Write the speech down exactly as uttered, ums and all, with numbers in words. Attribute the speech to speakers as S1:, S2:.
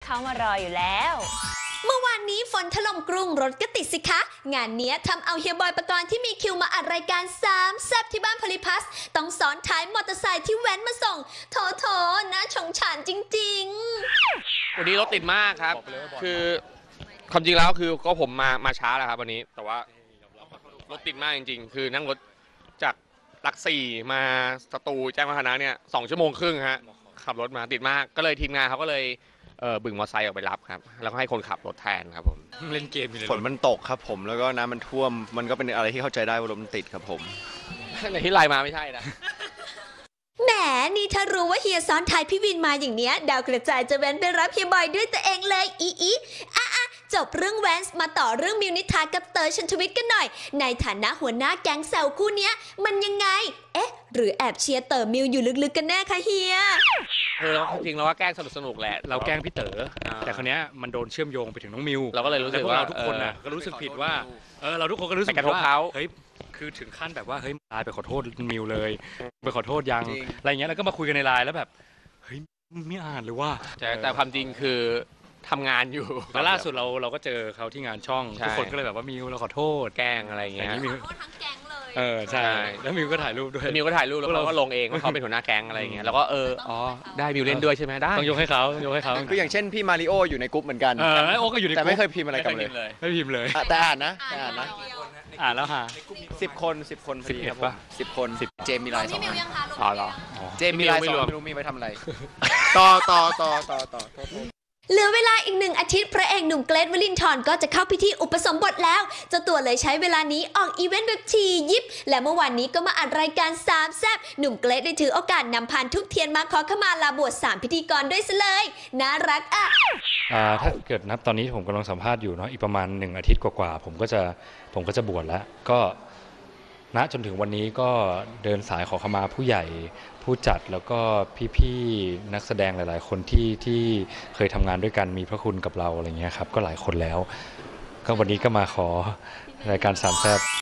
S1: เขามารออยู่แล้ว
S2: เมื่อวานนี้ฝนถล่มกรุงรถก็ติดสิคะงานนี้ทำเอาเฮียบอยปกรณ์ที่มีคิวมาอัดรายการสามแซ่บที่บ้านพลิพัสต้องซ้อนท้ายมอเตอร์ไซค์ที่แว้นมาส่งโถโถน่าชงฉานจริง
S3: ๆวันนี้รถติดมากครับคือความจริงแล้วคือก็ผมมามาช้าแหละครับวันนี้แต่ว่ารถติดมากจริงๆคือนั่งรถจากหลักสี่มาสตูแจ้งวัฒนะเนี่ยสองชั่วโมงครึ่งฮะขับรถมาติดมากก็เลยทีมงานเขาก็เลยเออบึงมอเตอร์ไซค์ออกไปรับครับแล้วก็ให้คนขับรถแทนครับผม
S4: เล่นเกมอยู่เลย
S5: ฝนมันตกครับผมแล้วก็น้ำมันท่วมมันก็เป็นอะไรที่เข้าใจได้ว่ารถมันติดครับผม
S3: ในที่ไลน์มาไม่ใช่นะ
S2: แหมนี่ถ้ารู้ว่าเฮียซ้อนท้ายพี่วินมาอย่างเนี้ยดาวกระจายจะแว้นไปรับเฮียบอยด้วยตัวเองเลยอีอีอ่ะอ่ะจบเรื่องแวนส์มาต่อเรื่องมิวนิธากับเต๋อชันทวิทย์กันหน่อยในฐานะหัวหน้าแก๊งแซวคู่เนี้ยมันยังไงเอ๊ะหรือแอบเชียร์เต๋อมิวอยู่ลึกๆกันแน่คะเฮีย
S3: เออจริงๆเราว่าแกล้งสนุกๆแหละ
S4: เราแกล้งพี่เต๋อแต่คราวนี้มันโดนเชื่อมโยงไปถึงน้องมิว
S3: เราก็เลยรู้สึกว่า
S4: เราทุกคนน่ะก็รู้สึกผิดว่าเออเราทุกคนก็รู้สึกว่าเฮ้ยคือถึงขั้นแบบว่าเฮ้ยไลน์ไปขอโทษมิวเลยไปขอโทษยังอะไรเงี้ยแล้วก็มาคุยกันในไลน์แล้วแบบเฮ้ยไม่อ่านเลยว่า
S3: แต่แต่ความจริงคือทำงานอยู่
S4: แล้วล่าสุดเราเราก็เจอเขาที่งานช่องทุกคนก็เลยแบบว่ามิวเราขอโทษ
S3: แกล้งอะไรเงี้ย
S4: มิวทั้งแก๊งเลยเออใช่แล้วมิวก็ถ่ายรูปด้วย
S3: มิวก็ถ่ายรูปแล้วเราก็ลงเองว่าเขาเป็นหัวหน้าแก๊งอะไรเงี้ยแล้วก็เอออ๋อได้มิวเล่นด้วยใช่ไหมได้
S4: ต้องยกให้เขาต้องยกให้เขา
S5: คืออย่างเช่นพี่มาริโออยู่ในกลุ่มเหมือนกัน
S4: โอ้ก็อยู่ใน
S5: แต่ไม่เคยพิมพ์อะไรกันเลย
S4: ไม่พิมพ์เลย
S5: แต่อ่านนะแต่อ่านนะ
S4: อ่านแล้วฮะ
S5: สิบคนสิบคน
S4: สิบเอ็ดป่ะ
S5: สิบคนสิบเจมมีไลน์สอง
S3: อ๋อเหรอ
S5: เจมมีไลน์สองไม่รู้มีไปทำอะไรต่อต่อต่อต่อต่อ
S2: เหลือเวลาอีกหนึ่งอาทิตย์พระเอกหนุ่มเกรทวลินทร์ก็จะเข้าพิธีอุปสมบทแล้วเจ้าตัวเลยใช้เวลานี้ออกอีเวนต์แบบทียิบและเมื่อวานนี้ก็มาอัดรายการสามแซ่บหนุ่มเกรทได้ถือโอกาสนำพานทุกเทียนมาขอขมาลาบวชสามพิธีกรด้วยซะเลยน่ารักอ่ะ
S4: ถ้าเกิดนับตอนนี้ผมกำลังสัมภาษณ์อยู่เนาะอีกประมาณหนึ่งอาทิตย์กว่าๆผมก็จะผมก็จะบวชแล้วก็ณจนถึงวันนี้ก็เดินสายขอขมาผู้ใหญ่ผู้จัดแล้วก็พี่ๆนักแสดงหลายๆคนที่ที่เคยทำงานด้วยกันมีพระคุณกับเราอะไรเงี้ยครับก็หลายคนแล้วก็วันนี้ก็มาขอรายการสามแซ่บ